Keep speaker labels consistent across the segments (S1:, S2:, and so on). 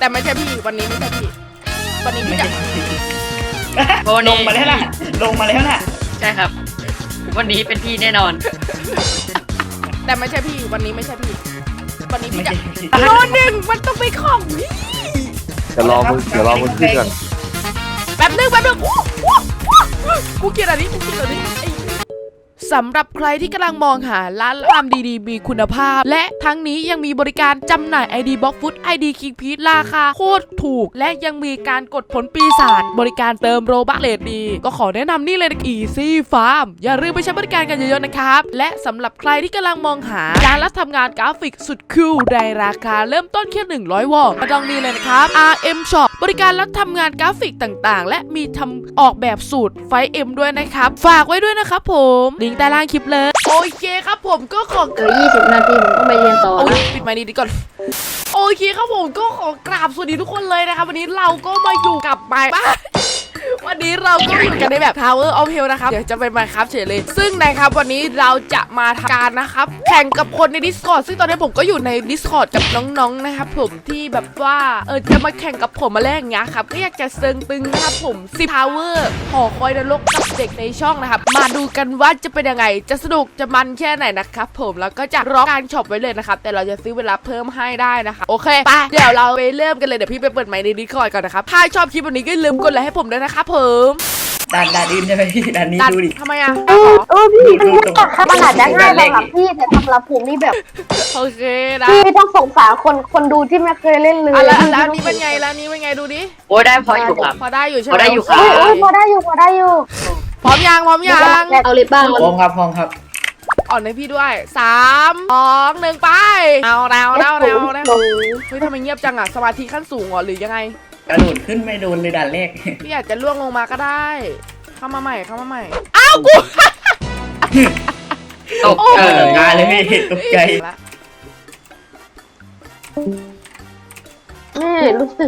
S1: แต่ไม่ใช่พี่วันนี้ไม่ใช่พี่วันนี้พี่จะ
S2: ลงมาแล้วนะลงมาแล้วนะ
S3: ใช่ครับ วันนี้เป็นพี่แน่นอน
S1: แต่ไม่ใช่พี่วันนี้ไม่ใช่พี่วันนี้
S2: ไม่
S1: พี่จะ
S2: ใช่
S1: โลหนึ่งมันต้องไปของพี่
S4: เดี๋ยวรอมึงขึ้นก่อน
S1: แป๊บนึงกูเกลียดอันนี้กูเกลียดอันนี้สำหรับใครที่กำลังมองหาร้านทำดีๆมีคุณภาพและทั้งนี้ยังมีบริการจำหน่าย ID Box Food ID King Peach ราคาโคตรถูกและยังมีการกดผลปีศาจบริการเติมโรบัคเลทดีก็ขอแนะนำนี่เลยนะ Easy Farm อย่าลืมไปใช้บริการกันเยอะๆนะครับและสำหรับใครที่กำลังมองหาร้านรับทำงานกราฟิกสุดคูลในราคาเริ่มต้นแค่100 วอนก็ต้องนี่เลยนะครับ RM Shop บริการรับทำงานกราฟิกต่างๆและมีทำออกแบบสูตรไฟเอ็มด้วยนะครับฝากไว้ด้วยนะครับผมลิงก์ใต้ล่างคลิปเลยโอเคครับผมก็ขอ
S5: 20 นาทีผมต้องไปเรียนต่อ
S1: โอ้ย
S5: นะ
S1: ปิดไมค์นี้ดีก่อนโอเคครับผมก็ขอกราบสวัสดีทุกคนเลยนะครับวันนี้เราก็มาอยู่กับไมค์วันนี้เราก็อยู่กันในแบบ Tower of Hell นะครับเดี๋ยวจะเป็นมาครับเฉยเลยซึ่งนะครับวันนี้เราจะมาทำการนะครับแข่งกับคนใน Discord ซึ่งตอนนี้ผมก็อยู่ใน Discord กับน้องๆนะครับผมที่แบบว่าจะมาแข่งกับผมมาแรกอย่างเงี้ยครับก็อยากจะเซิงตึงนะครับผม10 Tower หอคอยนรกกับเด็กในช่องนะครับมาดูกันว่าจะเป็นยังไงจะสนุกจะมันแค่ไหนนะครับผมแล้วก็จะรอการช็อปไว้เลยนะครับแต่เราจะซื้อเวลาเพิ่มให้ได้นะคะโอเคไปเดี๋ยวเราไปเริ่มกันเลยเดี๋ยวพี่ไปเปิดไมค์ใน Discord ก่อนนะครับถ้าชอบคลิปวันนี้ก็อย่าลืมกดไลค์ให้ผมด้วยนะครับผม
S2: ด่านอื่นใช่ไหมพี่ด่านนี้ดูดิ
S1: ทำไมอ่ะ
S5: พี่มันมันอาจจะง่ายสำหรับพี่แต่สำหรับผมนี่แบบ
S1: โอเคนะ
S5: พี่ต้องสงสารคนดูที่ไม่เคยเล่นเลย
S1: แล้วนี้เป็นไงแล้วนี้เป็นไงดูดิ
S3: โอ้ยได้พออยู่ครับ
S1: พอได้อยู่ใช่ไหม
S3: พอได้อยู่ครับ
S5: พอได้อยู่
S1: พร้อมยัง
S5: เอาเลยบ้าง
S2: พร้อมครับ
S1: อ่อนให้พี่ด้วย3 2 1ไปเอาเฮ้ยทำไมเงียบจังอ่ะสมาธิขั้นสูงเหรอหรือยังไง
S2: กระโดดขึ้นไม่โดนเลยด่านแรก
S1: พี่อาจจะล่วงลงมาก็ได้เข้ามาใหม่อ้าวกู
S3: ตก
S2: งานเลยพี่ตกใจ
S5: รู้สึก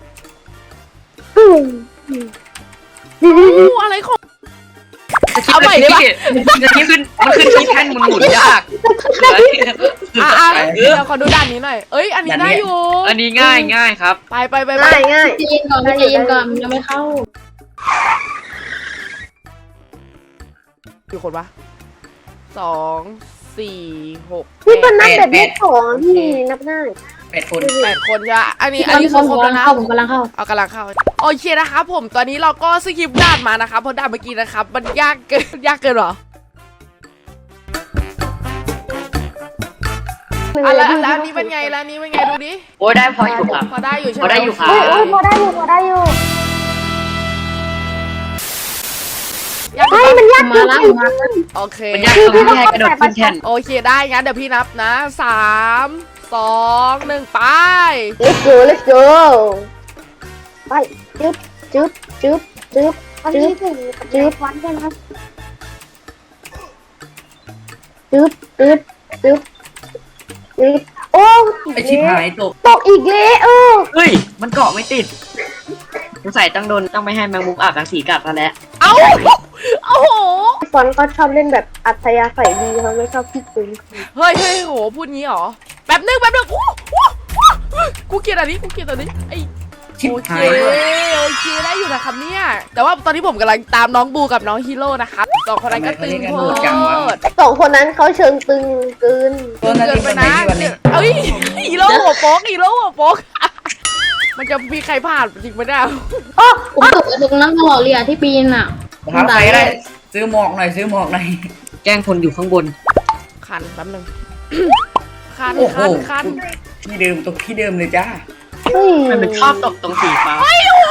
S1: อะไรของ
S3: เอาใหม่ได้ปะจะที่ขึ้นมันขึ้นที่แท่นหมุนยาก
S1: เดี๋ยวขอดูด้านนี้หน่อยเอ้ยอันนี้ได้อยู่
S3: อันนี้ง่ายครับ
S1: ไป
S5: ง่ายจีนก่อนยังไม่เข้า
S1: กี่คนวะ2 4 6
S5: พี่มันนับแบบเลข2พี่นับได้
S2: 8 คน
S1: 8 คนจะอันนี้คือครบแล้วนะ
S5: ผมกำลังเข้า
S1: โอเคนะครับผมตอนนี้เราก็สกิปด่านมานะครับเพราะด่านเมื่อกี้นะครับมันยากเกินหรอแล้วนี้เป็นไงดูดิ
S3: โอ้ยได้พออยู่ครับ
S1: พอได้อยู่ใช่ไหม
S3: พอได้อยู่ครับ
S5: พอได้อยู่มันยากมาแล้ว
S1: โอเค
S3: มันยากตรงที่ให้กระโดดขึ้นแท่น
S1: โอเคได้งั้นเดี๋ยวพี่นับนะ3 2 1ไป
S5: let's go ไปจึ๊บอันนี้ถึงวันกันครับจึ๊บโอ้
S2: ไอชิบหาย
S5: ตกอีกแล้ว
S3: เฮ้ยมันเกาะไม่ติดสงสัยต้องไม่ให้แมงมุมอาบรังสีกัดแล้วแหละ
S1: โอ้โห
S5: ฟอนก็ชอบเล่นแบบอัธยาศัยดีเขาไม่ชอบพี่ตึง
S1: เฮ้ยโหพูดงี้หรอแป๊บนึงกูเกลียดอันนี้ไอโอเคได้อยู่นะครับเนี่ยแต่ว่าตอนนี้ผมกำลังตามน้องบูกับน้องฮีโร่นะครับ2 คนนั้นก็ตึงโคตร
S5: 2 คนนั้นเขาเชิงตึงเกิน
S1: ไปนะเอ้ยฮีโร่หัวโป๊กมันจะมีใครผ่านจริงไหมเนี่ย
S5: ผมตกตรงนั้นตลอดเลยที่ปีนอ่ะ
S2: ครับใครได้ซื้อหมอกหน่อย
S3: แกล้งคนอยู่ข้างบน
S1: คันแป๊บนึงคัน
S2: ที่เดิมตกที่เดิมเลยจ้า
S3: มันชอบตกตรงสีฟ้า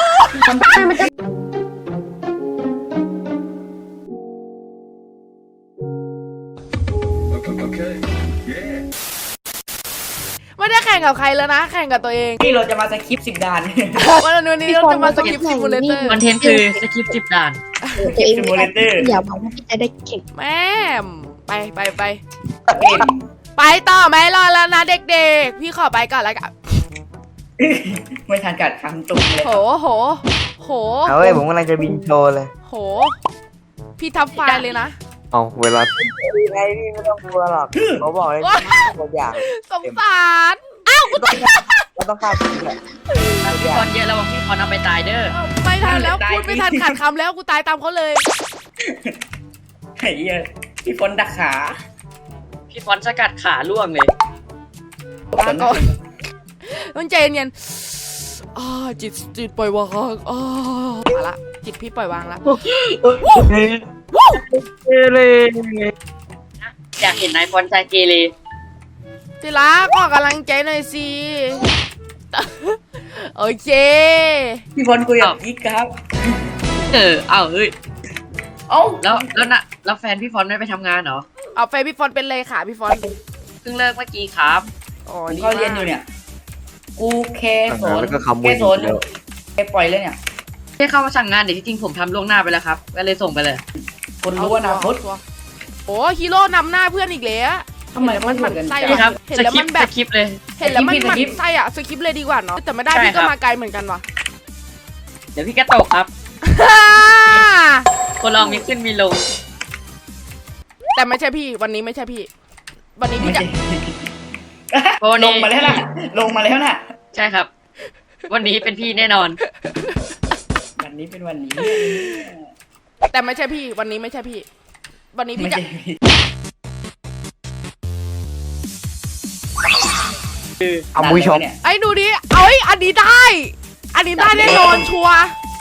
S1: ไม่ได้แข่งกับใครแล้วนะแข่งกับตัวเอง
S2: นี่เราจะมาสคิป10 ด่าน
S1: วันนี้เราจะมาสกิปซิมูเลเตอร์
S3: คอนเทนต์คือสกิป10 ด่าน
S2: ซิมูเลเตอร์
S5: อย่าบอกว่าพี่จะได้เก่ง
S1: แม่ไปต่อไหมรอแล้วนะเด็กๆพี่ขอไปก่อนแล้วกัน
S2: ไม่ทันกัดคำตุกเลย
S1: โห
S4: เอาเว้ยผมกำลังจะบินโชว์เลย
S1: โหพี่ทับไฟเลยนะ
S4: เอาเวลาไงพี่ไม่ต้องกลัวหรอกเขาบอกเลยตัวอย่าง
S1: สงสารอ้าว
S4: ก็ต้องฆ่าพี่แหละ
S3: อนเยอะแล้วพี่ฟอนเอาไปตายเด้อ
S1: ไม่ทันแล้วพูดไม่ทันขาดคำแล้วกูตายตามเขาเลย
S2: ไอ้เหี้ยพี่ฝนดักขา
S3: พี่ฟอนสกัดขาล่วงเลย
S1: ลาก่อนต้องใจเย็นๆจิตปล่อยวางมาละจิตพี่ปล่อยวางละ
S3: เกเรอยากเห็นนายฟอนใจเกเร
S1: ทีละขอกำลังใจหน่อยสิโอเค
S2: พี่ฝนกูอยากยิกครับ
S3: เอาเฮ้ย
S2: เอ้า
S3: แล้วแฟนพี่ฟอนไม่ไปทำงานเหรอ
S1: เอาไปพี่ฟอนเป็นเลยค่ะพี่ฟอน
S3: เพิ่งเลิกเมื่อกี้ครับ
S1: อ๋อ
S2: ผม
S1: ดี
S2: ก็
S1: มาก
S2: เรียนอยู่เนี่ย กูแค่สอน
S6: แล้วก็คำ
S2: แค่สอน
S6: เดียว
S2: แค่ปล่อยเลยเนี่ย
S3: ที่เข้ามาสั่งงานเดี๋ยวที่จริงผมทำล่วงหน้าไปแล้วครับก็เลยส่งไปเลย
S2: คนรู้อนาคต
S1: โอ้ฮีโร่นำหน้าเพื่อนอีกแล้ว
S2: ทำไม
S1: มันหมั่นไส้
S3: นี่ครับ
S1: เห็น
S3: ส
S1: แล้ว
S3: คริ
S1: มั
S3: ป
S1: น
S3: ต์
S1: แบ
S3: ส
S1: บ
S3: คริปต์เลย
S1: เห็นแล้วมันหมั่น
S2: สคริปต์
S1: ไส้อะสคริปต์เลยดีกว่าเนาะแต่ไม่ได้
S3: ใช่
S1: พี่ก็
S3: ครับ
S1: มาไกลเหมือนกันว่ะ
S3: เดี๋ยวพี่ก็ตกครับ คนเรามีขึ้นมีลง
S1: แต่ไม่ใช่พี่วันนี้ไม่ใช่พี่ วันนี้
S2: ไม่
S1: พี่จะ
S2: ใช่
S3: โอ้นี่
S2: ลงมาแล้วนะลงมาแล้วนะ
S3: ใช่ครับ วันนี้เป็นพี่แน่นอน
S2: วันนี้เป็นวันนี้
S1: แต่ไม่ใช่พี่วันนี้ไม่ใช่พี่ วันนี้
S2: ไม่
S1: พี่จะ
S2: ใช่พี่
S6: เอามุ้ยชม
S2: เนี่ย
S1: ไอ้ดูดิเอาไอ้อันนี้ได้ อันนี้ได้แน่นอนชัวร์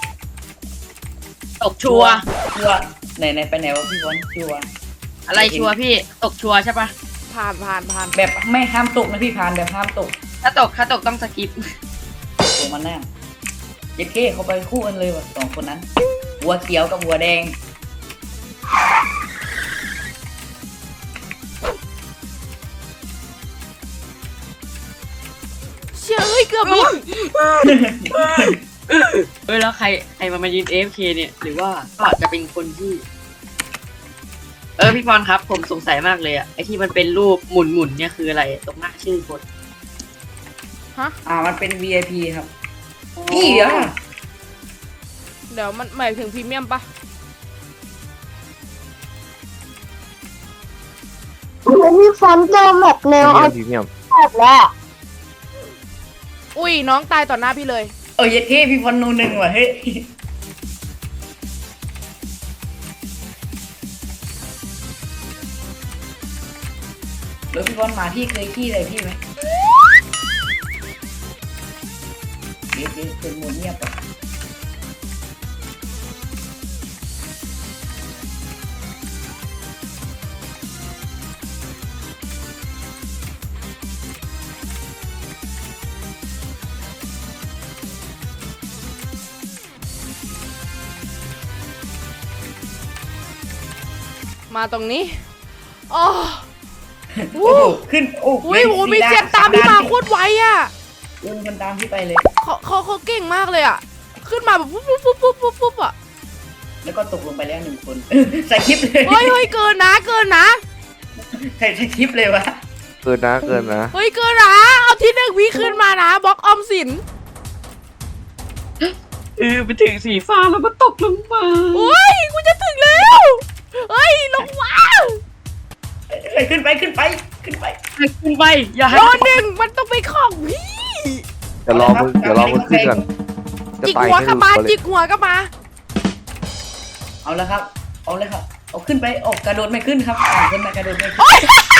S3: ตกชัวร์
S2: ชัวร์ไหนไปไหนวะพี่ฝนชัวร์
S3: อะไรชัวร์พี่ตกชัวร์ใช่ปะ
S1: ผ่าน
S2: แบบไม่ห้ามตกนะพี่พานแบบห้ามตก
S3: ถ้าตกต้องสกิป
S2: ลงมาแน่เย็ดเค้เขาไปคู่กันเลยว่ะสองคนนั้นวัวเขียวกับวัวแดง
S1: เชื่อเอ้ยเกือบมี
S3: แล้วใครมายืน AFK เนี่ย หรือว่าก็อาจจะเป็นคนที่พี่พรครับ ผมสงสัยมากเลยอะไอที่มันเป็นรูปหมุนเนี่ยคืออะไรตรงหน้าชื่อคน
S2: มันเป็น VIP ครับนี่เดี๋ยว
S1: เดี๋ยวมันหมายถึงพรีเมียมปะ
S5: แล้วพี่ฟอนเจอแมปแนวเอา
S6: พรีเมียม
S5: แบบแล้ว
S1: อุ้ยน้องตายต่อหน้าพี่เลย
S2: เย็ดเค้พี่พรนูหนึ่งว่ะเฮ้ยแล้วพี่พรมาพี่เคยขี้อะไรพี่ไหมเดี๋ยวเป็นโมเงียบอ่ะ
S1: มาตรงนี้อ๋อ
S2: โอ้โหขึ้นโอ้โห
S1: อุ้ยโหมีเสียงตามพี่มาโคตรไวอ่ะ
S2: เดินคนตามพี่ไปเลย
S1: เขาเก่งมากเลยอ่ะ ขึ้นมาแบบปุ๊บอ่ะ
S2: แล้วก็ตกลงไปแล้วหนึ่งคน ใส่คลิปเลย
S1: เฮ้ยเกินนะ
S2: ใส่คลิปเลยวะ
S6: เกินนะ
S1: เฮ้ยเกินนะเอาที่หนึ่งวิขึ้นมานะบล็อกออมสิน
S3: ไปถึงสีฟ้าแล้วก็ตกลงมา
S1: โอ้ยกูจะถึงแล้วเฮ้ยลงมา
S2: ขึ้นไปขึ้นไป
S3: อย่าให้
S1: โดนหนึ่งมันต้องไปของพี่
S6: เดี๋ยวรอมึงขึ้นก่อนจะ
S1: จิก
S6: ไต่
S1: หัว
S6: ให้
S1: ก็
S6: ดู
S1: มา
S6: เลย
S1: จิกหัวก็มา
S2: เอาแล้วครับเอาเลยครับเอาขึ้นไปออกกระโดดไม่ขึ้นครับขึ้นมากระโดดไม่ขึ้น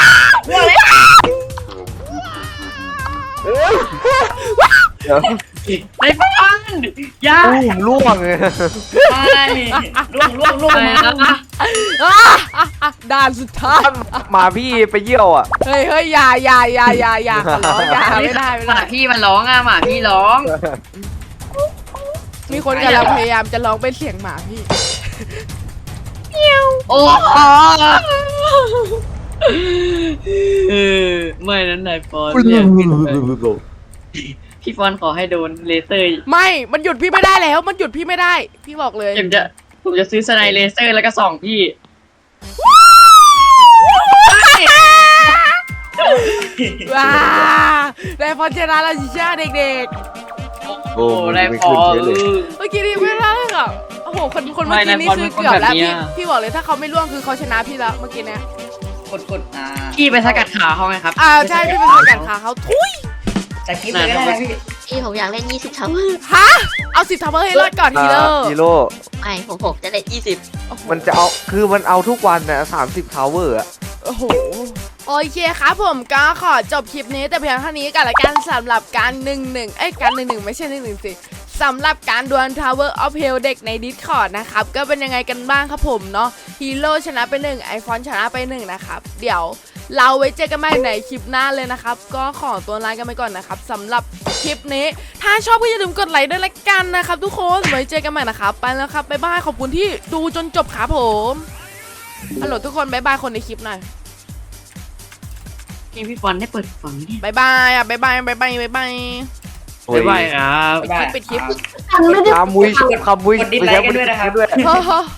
S6: เดี๋ยว
S3: ในบ้านอย่า
S6: ล่วงเลย
S2: ไม่ล่วง
S3: อะไรนะ
S1: ด่านสุดท้าย
S6: หมาพี่ไปเยี่ยวอ่ะ
S1: เฮ้ยอย่าขอร้องอย่าไม่ได้
S3: หมาพี่มันร้องหมาพี่ร้อง
S1: มีคนกำลังพยายามจะร้องเป็นเสียงหมาพี่
S3: โอ้ไม่นั้นนายฟอนเนี่ยพี่ฟอนขอให้โดนเลเซอร์
S1: ไม่ มันหยุดพี่ไม่ได้แล้ว มันหยุดพี่ไม่ได้ พี่บอกเลย
S3: ผมจะซื้อสไนเลเซอร์แล้วก็ส่องพี่
S1: ว้าได้ฟอนชนะแล้วจิช่าเด็ก
S6: โอ้
S3: ไร
S6: ไม่
S3: ฟอ
S6: ขึ้นเฉยเลย
S1: ๆ เมื่อกี้นี่ไม่ได้อ่ะโอ้โห คนเมื่อกี้นี่คือเกือบแล้วพี่บอกเลยถ้าเขาไม่ล่วงคือเขาชนะพี่แล้วเมื่อกี้เนี่ย
S2: กด
S3: พี่ไปสกัดขาเขาไงครับ
S1: ใช่พี่เป็นสกัดขาเขาทุย
S2: ใส่คลิปเลยก็ได้พี่
S5: พี่ผมอยากเล่น20ทาวเวอร์
S1: ฮะเอา10ทาวเวอร์ให้รอดก่อนฮีโร่
S6: ฮีโร่
S5: ไม่ผมจะเล่น20
S6: มันจะเอาคือมันเอาทุกวันนะ30 ทาวเวอร์อะ
S1: โอ้โหโอเคครับผมก็ขอจบคลิปนี้แต่เพียงเท่านี้กันละกันสำหรับการการ11ไม่ใช่11สิสำหรับการดวล Tower of Hell เด็กใน Discord นะครับก็เป็นยังไงกันบ้างครับผมเนาะฮีโร่ชนะไป1ไอฟอนชนะไป1นะครับเดี๋ยวเราไว้เจอกันใหม่ในคลิปหน้าเลยนะครับก็ขอตัวลากันไปก่อนนะครับสำหรับคลิปนี้ถ้าชอบก็อย่าลืมกดไลค์ด้วยละกันนะครับทุกคนไว้เจอกันใหม่นะครับไปแล้วครับบ๊ายบายขอบคุณที่ดูจนจบครับผมฮัลโหลทุกคนบ๊ายบายคนในคลิปหน่อย
S3: พี่ฟอนได้เปิดฝั่งนี้
S1: บายบายอ่ะบายบายบายบายบายบาย
S6: โอ้ย
S3: บ๊ายบายครับ
S2: ได้
S1: ปิดคลิป
S6: คำมุ้ย
S2: กดดิสไลค์กันด้วยนะครับ
S6: ด้วย
S1: เฮ้อ